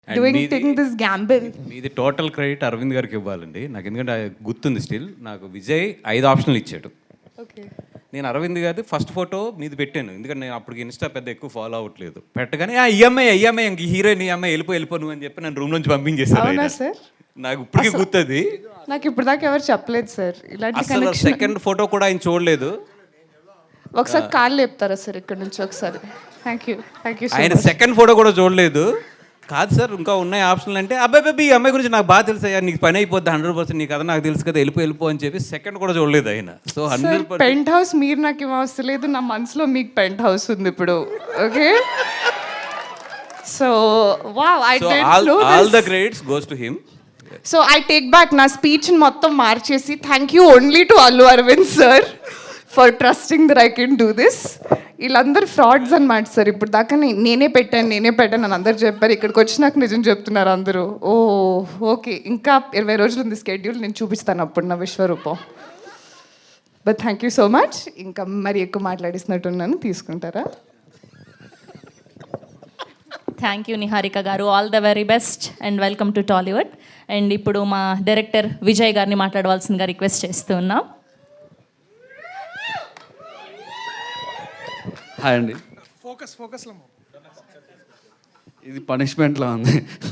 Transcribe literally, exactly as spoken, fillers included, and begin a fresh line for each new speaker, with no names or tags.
doing taking this gamble.
మీది total credit Aravind గారికి ఇవ్వాలండి నాకు, ఎందుకంటే గుర్తుంది స్టిల్. నాకు విజయ్ ఐదు ఆప్షన్లు ఇచ్చాడు.
ఓకే,
నేను అరవింద్ గారి ఫస్ట్ ఫోటో మీది పెట్టాను, ఎందుకంటే నేను అప్పటికి ఇన్స్టా పెద్ద ఎక్కువ ఫాలో అవ్వట్లేదు. పెట్టగానే ఆ ఈఎంఐ ఈఎంఐ ఇంక హీరోయిన్ ఈఎంఐ వెళ్ళిపో వెళ్ళిపో నువ్వు అని చెప్పి నన్ను రూమ్ నుంచి పంపించేశారు.
అవునా సార్?
నాకు ఇప్పటికీ గుర్తుంది.
నాకు ఇప్పుడు దాకా ఎవరు చెప్పలేదు సార్ ఇలాంటి
అసలు
కనెక్షన్.
సెకండ్ ఫోటో కూడా ఆయన చూడలేదు.
ఒకసారి కాళ్ళు లేపుతారా సార్ ఇక్కడ నుంచి ఒకసారి? Thank you thank you so
ఆయన
మచ్.
సెకండ్ ఫోటో కూడా చూడలేదు. కాదు సార్ ఇంకా ఉన్నాయి ఆప్షన్లు అంటే, అబ్బాయి బాబీ ఈ అమ్మాయి గురించి నాకు బాగా తెలుసు అయ్యా, నీకు పని అయిపోద్ది హండ్రెడ్ పర్సెంట్, నీకు కదా నాకు తెలుసు కదా, వెళ్ళిపో వెళ్ళిపో అని చెప్పి సెకండ్ కూడా చూడలేదు ఆయన. So hundred percent
penthouse మీరు నాకు ఏం అవసరం లేదు, నా మనసులో మీకు పెంట్ హౌస్ ఉంది ఇప్పుడు. Okay, so wow, I
so
didn't
all
know
all the
this.
Credits goes to him.
So I take back నా స్పీచ్ మొత్తం మార్చేసి thank you only to Allu Aravind sir for trusting that I can do this. వీళ్ళందరూ frauds అనమాట సార్. ఇప్పుడు దాకా నే- నేనే పెట్టాను నేనే పెట్టాను అని అందరు చెప్పారు. ఇక్కడికి వచ్చినాక నిజం చెప్తున్నారు అందరూ. ఓ ఓకే, ఇంకా ఇరవై రోజులు ఉంది స్కెడ్యూల్, నేను చూపిస్తాను అప్పుడు నా విశ్వరూపం. But thank you so much. ఇంకా మరి ఎక్కువ మాట్లాడిస్తున్నట్టున్నాను, తీసుకుంటారా?
థ్యాంక్ యూ నిహారిక గారు, all the very best and welcome to Tollywood. And ఇప్పుడు మా డైరెక్టర్ విజయ్ గారిని మాట్లాడవలసిందిగా రిక్వెస్ట్ చేస్తూ ఉన్నాం.
హాయ్ అండి.
ఫోకస్ ఫోకస్లో
ఇది పనిష్మెంట్లా ఉంది.